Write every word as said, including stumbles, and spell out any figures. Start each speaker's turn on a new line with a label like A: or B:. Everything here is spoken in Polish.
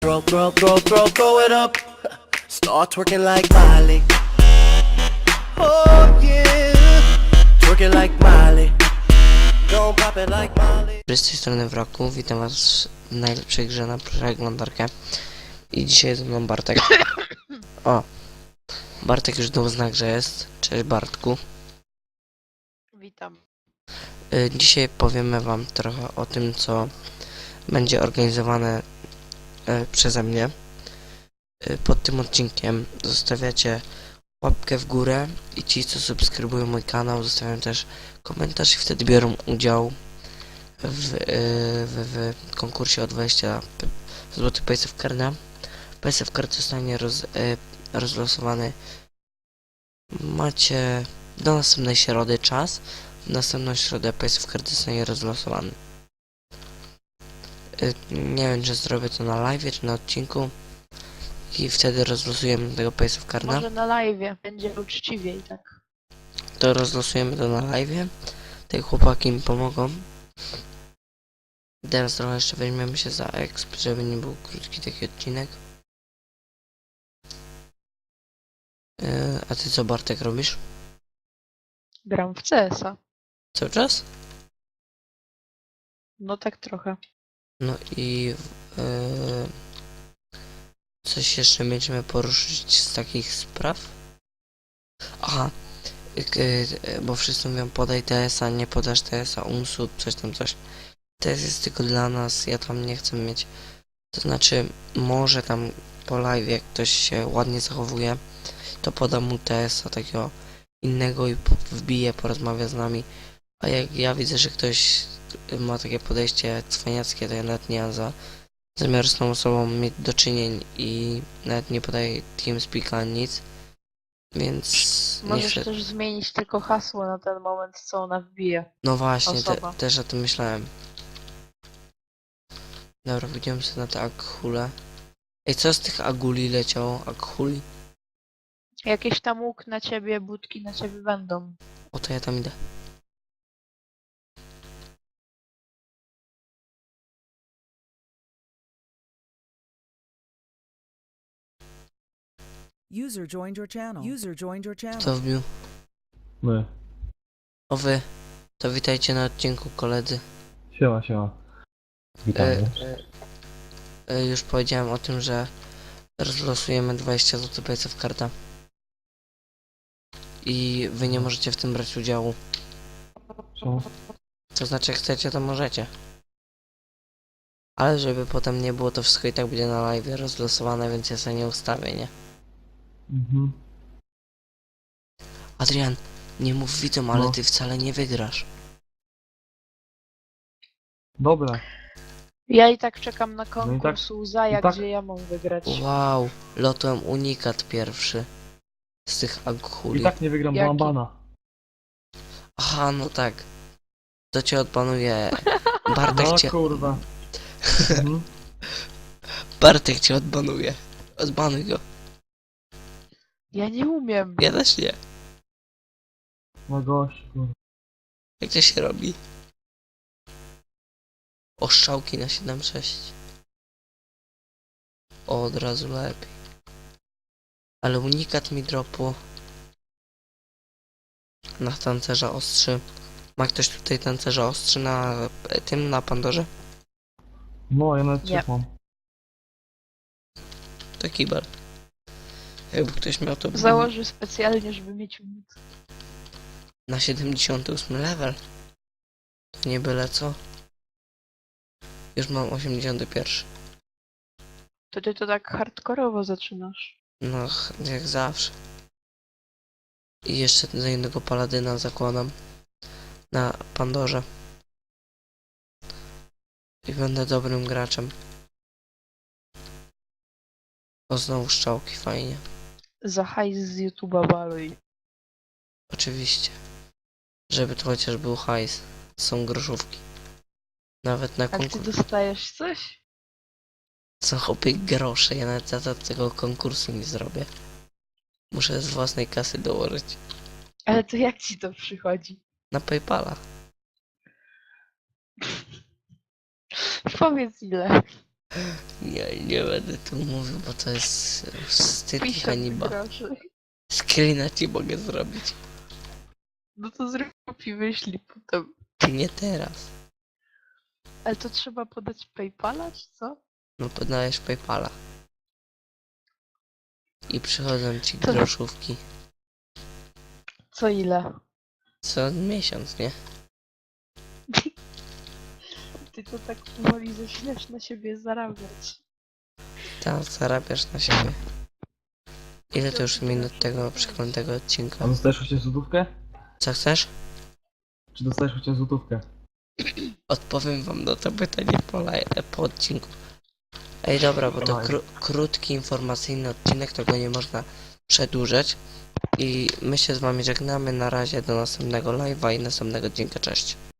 A: throw, throw, throw, throw, throw it up. Start twerking like Miley. Oh yeah, twerking like Miley. Don't pop it like Miley.
B: Z tej strony Wraku, witam was w najlepszej grze na przeglądarkę. I dzisiaj ze mną Bartek. O! Bartek już dał znak, że jest. Cześć Bartku.
C: Witam.
B: Y, dzisiaj powiemy wam trochę o tym, co będzie organizowane y, przeze mnie. Y, pod tym odcinkiem zostawiacie łapkę w górę i ci, co subskrybują mój kanał, zostawiają też komentarz i wtedy biorą udział w, y, w, w konkursie o dwadzieścia złotych P S F Carda. P S F Card zostanie roz, y, rozlosowany. Macie do następnej środy czas. W następną środę P S F Card zostanie rozlosowany. Y, nie wiem, czy zrobię to na live, czy na odcinku. I wtedy rozlosujemy tego P S F Carda.
C: Może na live będzie uczciwiej, tak?
B: To rozlosujemy to na live. Te chłopaki mi pomogą. Teraz trochę jeszcze weźmiemy się za exp, żeby nie był krótki taki odcinek. Yy, a ty co, Bartek, robisz?
C: Gram w C S a.
B: Cały czas?
C: No tak trochę.
B: No i yy, coś jeszcze będziemy poruszyć z takich spraw? Aha, yy, bo wszyscy mówią podaj T S a, nie podasz T S a, umsub, coś tam, coś. T S jest tylko dla nas, ja tam nie chcę mieć. To znaczy, może tam po live, jak ktoś się ładnie zachowuje, to podam mu T S a takiego innego i wbije, porozmawia z nami. A jak ja widzę, że ktoś ma takie podejście cwaniackie, to ja nawet nie mam za zamiar z tą osobą mieć do czynień i nawet nie podaję TeamSpeaka nic. Więc nie
C: Możesz
B: chcę...
C: też zmienić tylko hasło na ten moment, co ona wbije.
B: No właśnie, te,
C: osoba.
B: też o tym myślałem. Dobra, widziałem sobie na te akhule. Ej, co z tych aguli leciało? Akhuli?
C: Jakieś tam łuk na ciebie, budki na ciebie będą.
B: O, to ja tam idę.
D: User joined your channel. User joined your channel.
B: Kto wbił?
E: My.
B: O wy. To witajcie na odcinku, koledzy.
E: Siema, siema. Witamy.
B: E, e, już powiedziałem o tym, że rozlosujemy dwadzieścia złotych P S F Carda. I wy nie możecie w tym brać udziału.
E: Co?
B: To znaczy, jak chcecie, to możecie. Ale żeby potem nie było, to wszystko i tak będzie na live rozlosowane, więc ja sobie nie ustawię, nie?
E: Mhm.
B: Adrian, nie mów widzom, ale
E: No.
B: ty wcale nie wygrasz.
E: Dobra.
C: Ja i tak czekam na
E: No i
C: konkurs
E: tak-
C: Uzaja,
E: i tak-
C: gdzie ja mam wygrać.
B: Wow, lotłem unikat pierwszy. Z tych aghuli.
E: I tak nie wygram, bo
C: Jaki?
E: mam bana.
B: Aha, no tak. To cię odbanuje. Bartek
E: No
B: cię...
E: kurwa. Mhm.
B: Bartek cię odbanuje. Odbanuj go.
C: Ja nie umiem.
B: Ja też nie.
E: No gość, kurwa.
B: Jak to się robi? Oszczałki na siedem sześć. O, od razu lepiej. Ale unikat mi dropu. Na tancerza ostrzy. Ma ktoś tutaj tancerza ostrzy na e, tym, na Pandorze?
E: No, ja nawet
C: Nie.
E: trzech mam.
B: To kibel. Jakby ktoś miał to...
C: Założę specjalnie, żeby mieć unit.
B: Na siedemdziesiąty ósmy level. To nie byle co. Już mam osiemdziesiąty pierwszy.
C: To ty to tak hardkorowo zaczynasz.
B: No, ch- jak zawsze. I jeszcze za jednego paladyna zakładam. Na Pandorze. I będę dobrym graczem. O, znowu szczałki, fajnie.
C: Za hajs z YouTube'a baluj.
B: Oczywiście. Żeby to chociaż był hajs. Są groszówki. Nawet na
C: A ty
B: konkurs...
C: dostajesz coś?
B: Są chłopie grosze. Ja nawet za to tego konkursu nie zrobię. Muszę z własnej kasy dołożyć.
C: Ale to jak ci to przychodzi?
B: Na Paypala.
C: Powiedz ile.
B: Nie, nie będę tu mówił, bo to jest wstyd i
C: Piszę
B: hańba.
C: groszy.
B: Screena ci mogę zrobić.
C: No to zrób i wyślij potem.
B: Nie teraz.
C: Ale to trzeba podać Paypala, czy co?
B: No podajesz Paypala. I przychodzą ci
C: To-
B: groszówki.
C: Co ile?
B: Co miesiąc, nie?
C: Ty to tak powoli zaczynasz na siebie zarabiać.
B: Tam zarabiasz na siebie. Ile to już minut tego przeklętego
E: A
B: odcinka?
E: dostajesz chociaż złotówkę?
B: Co chcesz?
E: Czy dostajesz chociaż złotówkę?
B: Odpowiem wam na to pytanie po, laj- po odcinku. Ej dobra, bo to
E: Dawaj.
B: kró krótki, informacyjny odcinek, to go nie można przedłużać. I my się z wami żegnamy, na razie do następnego live'a i następnego odcinka, cześć.